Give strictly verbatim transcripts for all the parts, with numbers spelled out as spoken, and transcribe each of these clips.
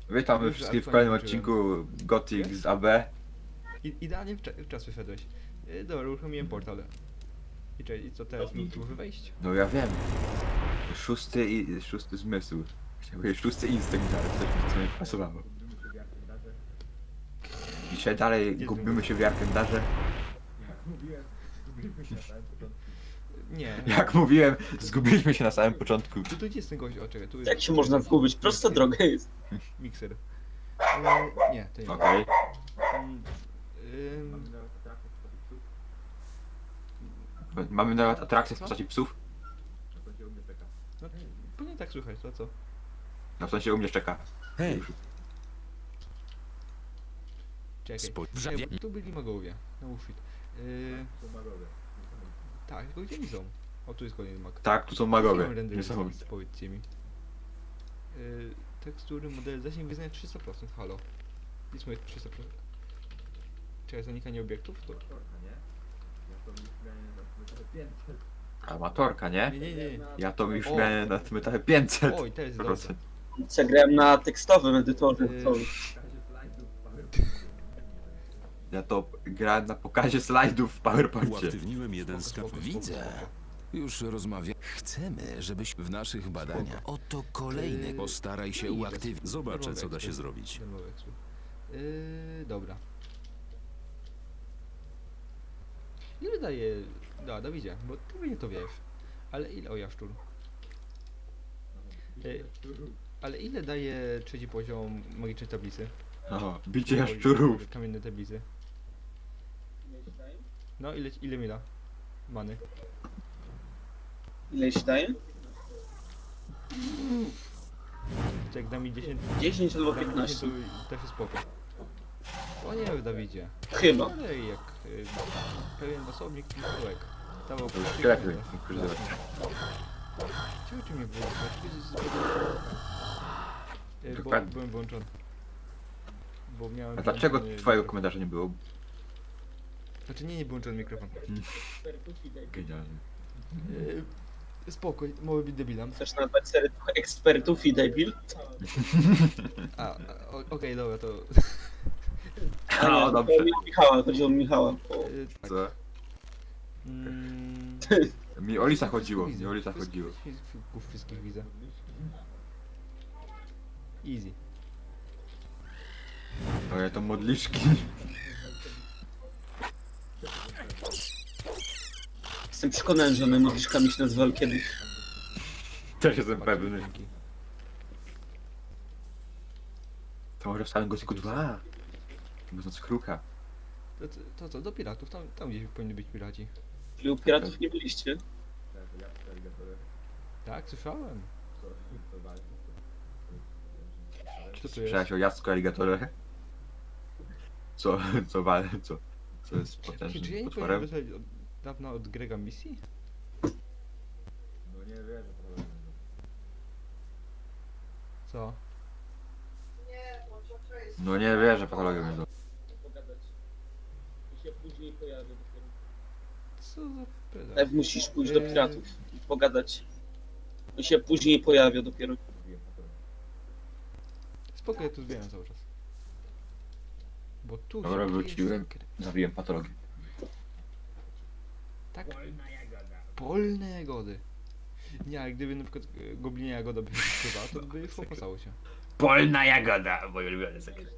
Witamy Dobrze, wszystkich w ale kolejnym fajnie odcinku Gothic z A B. I, idealnie w, cza- w czas wyszedłeś. Yy, dobra, uruchomiłem portal. I, cze- I co teraz? Mi tu może wejść? No ja wiem. Szósty i szósty zmysł. Chciałem powiedzieć szósty instynkt, ale coś mi co nie pasowało. Dzisiaj dalej Gdzie gubimy ten się w Jarkendarze. Nie. Jak mówiłem, zgubiliśmy się na samym początku. Tu, tu gdzie jest ten gość? O, czekaj, tu jest... Jak się można zgubić? Prosta droga jest. Mikser. Yy, nie, to nie. Okej. Mm, ym, Mamy nawet atrakcję w postaci psów. no, powinien tak słychać, to co? No w sensie u mnie czeka. Hej, Czekaj. Spojrzę- Nie, bo tu byli magowie. No shit. Yy, tak, tylko gdzie oni są? O, tu jest kolejny mag. Tak, tu są Jakie magowie. mam rendery Niesamowite. ustawić, powiedzcie mi. Yy, tekstury, modele, zasięg wyznania trzysta procent, halo. Nic moje trzysta procent. Czekaj, zanikanie obiektów? To... Amatorka, nie? Nie, nie, nie. Ja to już O. miałem na tym etapie pięćset Oj, teraz jest dobrze. procent. Zagrałem na tekstowym edytorze. Yy. Co? Ja to grałem na pokazie slajdów w PowerPoincie. uaktywniłem jeden z Spoko, kap... spoko, Widzę. spoko. Już rozmawiam. Chcemy, żebyś w naszych badaniach... Oto kolejny. Yy, Postaraj się no i uaktywnić. bez- Zobaczę, darmowe co da się ekspy. zrobić. Darmowe ekspy. Yy, dobra. Ile daje... Da, Dawidzie, bo ty mnie to wiesz. Ale ile... O, jaszczur. Yy, ale ile daje trzeci poziom magicznej tablicy? O, bicie jaszczurów. Kamienne tablicy. No, ile, ile mi da? Many. Ile się daje? Czy jak da mi dziesięć... dziesięć albo da mi piętnaście. dziesięć, to też jest spoko. O nie, Dawidzie. Chyba. Ale jak y, pewien osobnik Mikołek dawał To już praktykę, lepiej to- ukrzyżować. Czemu ty mnie wyłączyłeś? Czy jest zbyt... Y, Bo Dokładnie. byłem włączony. Bo miałem... A dlaczego włączony twojego mikrofon. komentarza nie było? Znaczy nie, nie był włączony mikrofon. Genialnie. Yy, spoko, mogę być debilem. Chcesz nazwać serię ekspertów i debil? A, a, o- okej, dobra, to... A nie, O, dobrze. chodziło o Michała, chodziło o Michała. O, Yy, tak. Co? Mm, Mi o Lisa chodziło, Easy. mi o Lisa Wszystkich- chodziło. wszystkich- Wszystkich widzę. Easy. Ale to modliszki. Jestem przekonany, że one modliszkami się nazywały kiedyś. Też jestem Bardzo pewny. dzięki. To może w samym Gothicu dwa. Mówiąc kruka. To, to, to co, do piratów, tam, tam gdzieś powinni być piraci. Czyli u piratów nie byliście? Tak, słyszałem. Co tu jest? Słyszałeś o Jacku Alligatorze? Co, co wal, co, co jest Czy, czy ja potężnym nie powinienem potworem? dostać od dawna od Grega misji? Co? No nie wierzę, patologię mnie do... Pogadać. I się później pojawi. Co za pedał? Ew, musisz pójść do piratów i pogadać. I się później pojawia dopiero. Spoko, ja tu zbieram cały czas. Bo tu Dobra, się wróciłem. kryje sekret. Zabiłem patologię. Tak? Polne jagody. Nie, ale gdyby na przykład e, goblinia jagoda by się skrywała, to by już opłacało się. Polna jagoda! Moje ulubione sekret.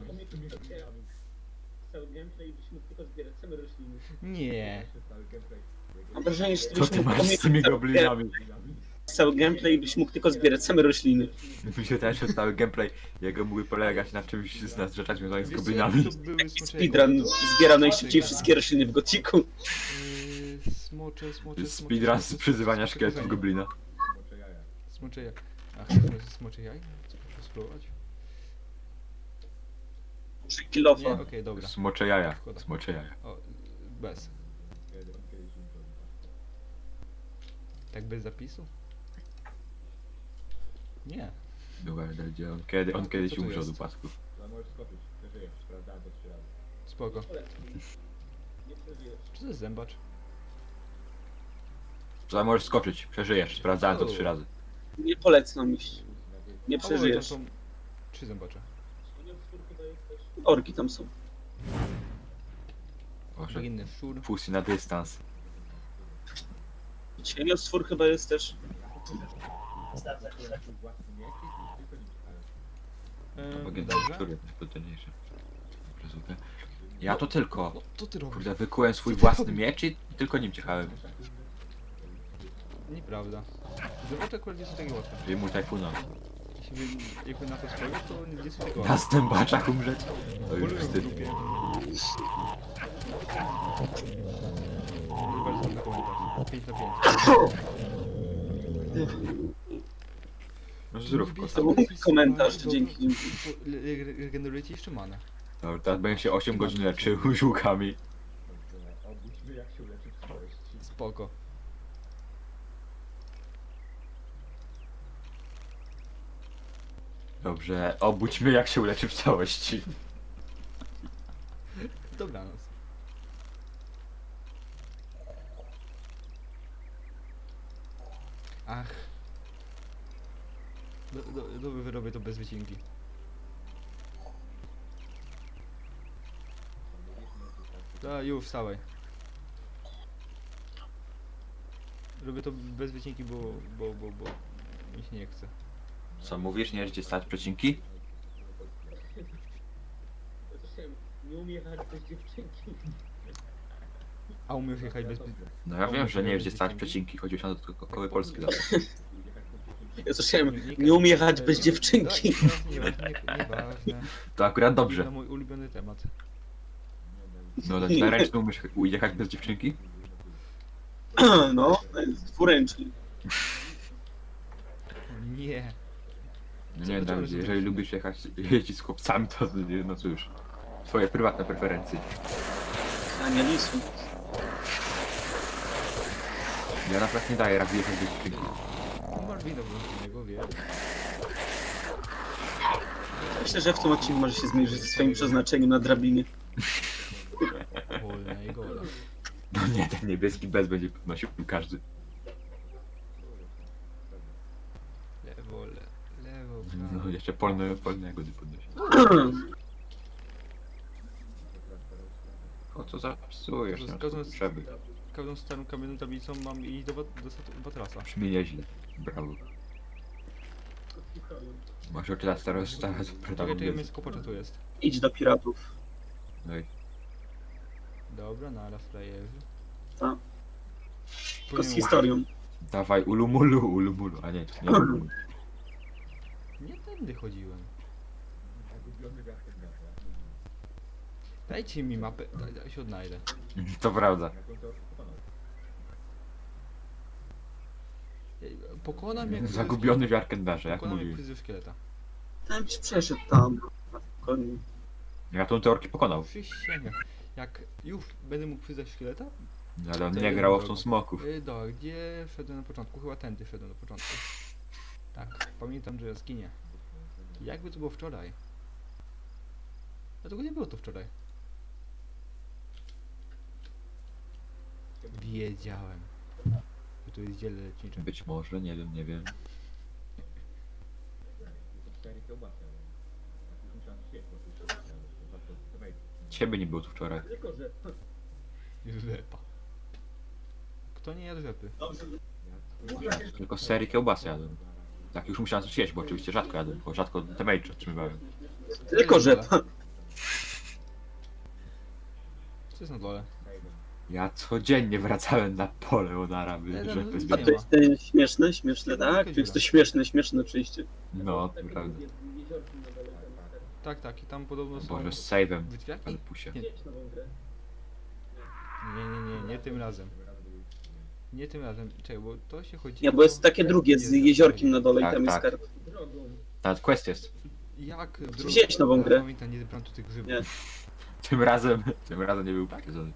Cały gameplay byś mógł tylko zbierać same rośliny. Nie. Mam wrażenie, że Co byś ty mógł masz z tymi goblinami? cały gameplay byś mógł tylko zbierać same rośliny. Mi się też cały gameplay jego mógłby polegać na czymś z nas rzeczach związanych z Wiesz co, goblinami. to były smocze Speedrun jagody. zbiera najszybciej wszystkie rośliny w Gothicu. Yy, smocze, smocze, smocze. Speedrun z smocze, przyzywania smocze, szkieletów kochani. goblina. Smocze jaj. Ach, to jest smocze jaj? Co muszę spróbować? Przy Nie? kilofa. Okej, dobra. Smocze jaja. Szkoda. Smocze jaja. O, bez. Tak bez zapisu? Nie. Dobra, gdzie on, kiedy, on Co kiedyś to umrze od jest? upasków. Spoko. Czy to jest zębacz? Co możesz skoczyć, przeżyjesz. Sprawdzałem to trzy razy. Nie polecam iść. Nie O, tam przeżyjesz. są Trzy zębacze. Orki tam są. Boże, Bagienny szczur. pusty na dystans. Cieniostwór chyba jest też. Eee, Bagienny dobrze. szczur, najpotężniejszy. Dobra, super. Ja to tylko. No, co ty robisz? Kurde, wykułem swój własny miecz i tylko nim ciechałem. Nieprawda. Zębacze akurat nie są takie łatwe. Czyli mój tajfuna. Jeśli by, jakby na to spojrzeć, to nie są takie Na łatwe. stębaczach umrzeć? To już Polują w wstyd. grupie. Proszę bardzo, na komentarz. pięć na pięć. No zrób To kota. był komentarz, dzięki nim. Regenerujecie jeszcze manę. Dobra, teraz będę się osiem godzin leczył żółkami. Spoko. Dobrze, obudź mnie jak się uleczy w całości. Dobranoc. Ach. Do, do, do, wyrobię to bez wycinki. Da, już wstawaj. Robię to bez wycinki, bo, bo, bo, bo mi się nie chce. Co mówisz? Nie gdzie stać przecinki? Nie umie jechać bez dziewczynki. A umiesz jechać bez... No ja wiem, że nie wiesz gdzie stać przecinki. Chodzi się na to tylko koły polskie zawsze. Ja słyszałem, nie umie jechać bez dziewczynki. Nieważne, nie, nieważne. To akurat To dobrze. mój ulubiony temat. No tak na ręczny umiesz ujechać bez dziewczynki? No, dwuręczny. Nie. No Co nie, to Dawid, rozumiesz? jeżeli lubisz jechać, jeździć z chłopcami, to no cóż. Twoje prywatne preferencje. Ania Lisu. Ja naprawdę nie daję rady jechać bez dziewczynki. No masz wino włączonego, wiesz. Myślę, że w tym odcinku może się zmierzyć ze swoim przeznaczeniem na drabinie. Wolna i gola. No nie, ten niebieski bez będzie podnosił każdy. Lewo, le, lewo, No prawo. jeszcze polne, polne jagody podnosi. O co zapsujesz? Nie Zgadzam ma się. potrzeby. Każdą starą kamienną tablicą mam iść do, wat- do sat- Batrasa. Brzmi nieźle. Brawo. Masz oczy na starosta, to Czekaj, czekaj, protagonizm. mięsko pocza tu jest. Idź do piratów. No i Dobra, nara frajerzy. Tak. Tylko z Powinien- historią. dawaj ulumulu, ulumulu. A nie, to nie ulumulu. Nie tędy chodziłem. Dajcie mi mapę, daj, daj się odnajdę. To prawda. Ej, Pokonam jak... Zagubiony w Arkendarze, jak Pokonam jak mówił. fryzjer szkieleta. Tam byś przeszedł tam. Na spokojnie. Ja tą teorkę pokonał. Przysięgam. Jak już będę mógł fryzjer szkieleta? No, ale on To nie jest grał w drogo. tą smoków. Yy, do, gdzie szedłem na początku? Chyba tędy szedłem na początku. Tak, pamiętam, że jaskinie. Jakby to było wczoraj. Dlatego nie było to wczoraj. Wiedziałem, że tu jest dziele lecznicze. Być może, nie wiem, nie wiem. Ciebie nie było tu wczoraj. Rzepa. Kto nie jadł rzepy? Tylko z serii kiełbasy jadłem. Tak już musiałem coś jeść, bo oczywiście rzadko jadłem, bo rzadko te mage otrzymywałem. Tylko że Co jest na dole? Ja codziennie wracałem na pole od Araby, Ale żeby no, A zbierać. to jest ten śmieszne, śmieszne, tak? To jest to śmieszne, śmieszne przyjście. No, to prawda. Tak, tak, i tam podobno są... Boże, z save'em. Wytwiaki? Ale pusie. Nie. Nie, nie, nie, nie tym razem. Nie tym razem. Czekaj, bo to się chodzi Nie, bo jest takie drugie z Jest, jeziorkiem na dole i Tak, tam jest tak. skarb. Nawet quest jest. Jak... Wziąłeś nową grę? Pamiętam, nie zebrałem tu tych grzybów. Nie. Tym razem, tym razem nie był potwierdzony.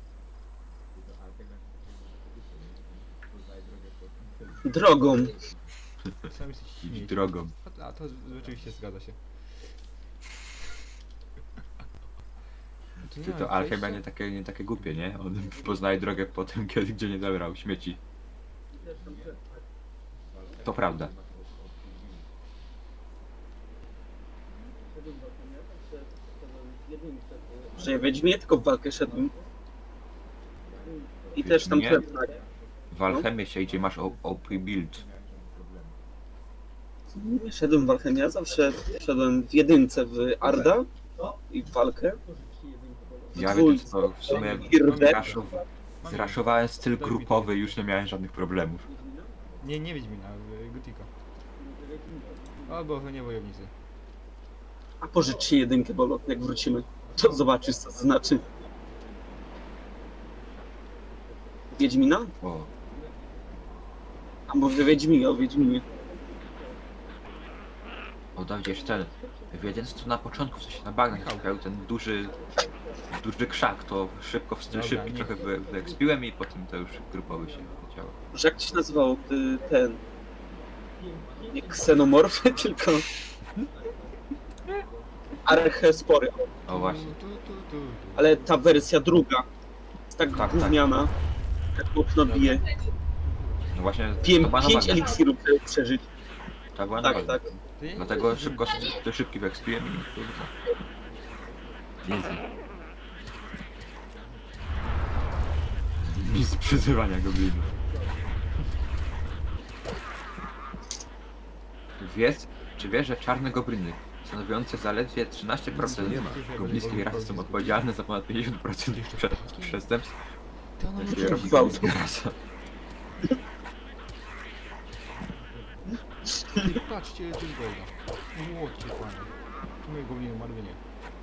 Drogą. Sam jesteś Idź śmieci. drogą. A, a to rzeczywiście zgadza się. Tu nie Ty ma to Alchemia przejścia? nie takie, nie takie głupie, nie? On poznaje drogę po tym, kiedy gdzie nie zabrał śmieci. To prawda. Że ja Wiedźminie tylko w walkę szedłem. I też tam Nie. tyle. W Alchemię się idzie, masz O P build. Nie szedłem w alchemię, ja zawsze szedłem w jedynce w Arda i w walkę. Ja Dwój- wiem, co w sumie Irde. zraszow... zraszowałem styl grupowy i już nie miałem żadnych problemów. Nie, nie Wiedźmina, w Gotika. O, bo nie wojownicy. A pożycz ci jedynkę, Bolo, jak wrócimy. To zobaczysz, co to znaczy. Wiedźmina? O, A może Wiedźminie, o Wiedźminie. o Dawidzie, jeszcze ten. Wiedząc to na początku, w sensie na bagnach trafiał ten duży, duży krzak, to szybko w styl Dobra, szybki nie. trochę wy, wyekspiłem i potem to już grupowy się leciało. Że jak to się nazywało y, ten... Nie ksenomorfy, tylko... Archespory. O właśnie. Tu, tu, tu, tu. Ale ta wersja druga jest tak, Tak, tak tak. gówniana. Tak mocno bije. No właśnie, Piję to była na pięć bagnach. eliksirów, żeby przeżyć. To była na Tak, bagnach. tak. To ja- Dlatego szybko styl szybki wyekspiłem i kurde. Jezu. Nic przyzywania goblinów. Wiesz, czy wiesz, że czarne gobliny, stanowiące zaledwie trzynaście procent Nie ma. goblińskiej rasy, są odpowiedzialne za ponad pięćdziesiąt procent prze przestępstw? To ona jakie może robi gwałt. goblińska rasa? Ty, patrzcie, to jest golda. Młodki panie. Czy moje gobliny umarły? Nie.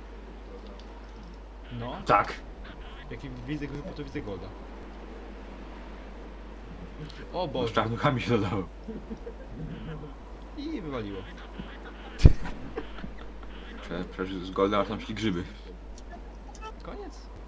No, Tak. jak widzę go, to widzę golda. O Bo z Boże. czarnuchami się dodało. I wywaliło. Prze, prze, z Golda aż tam szli grzyby. Koniec?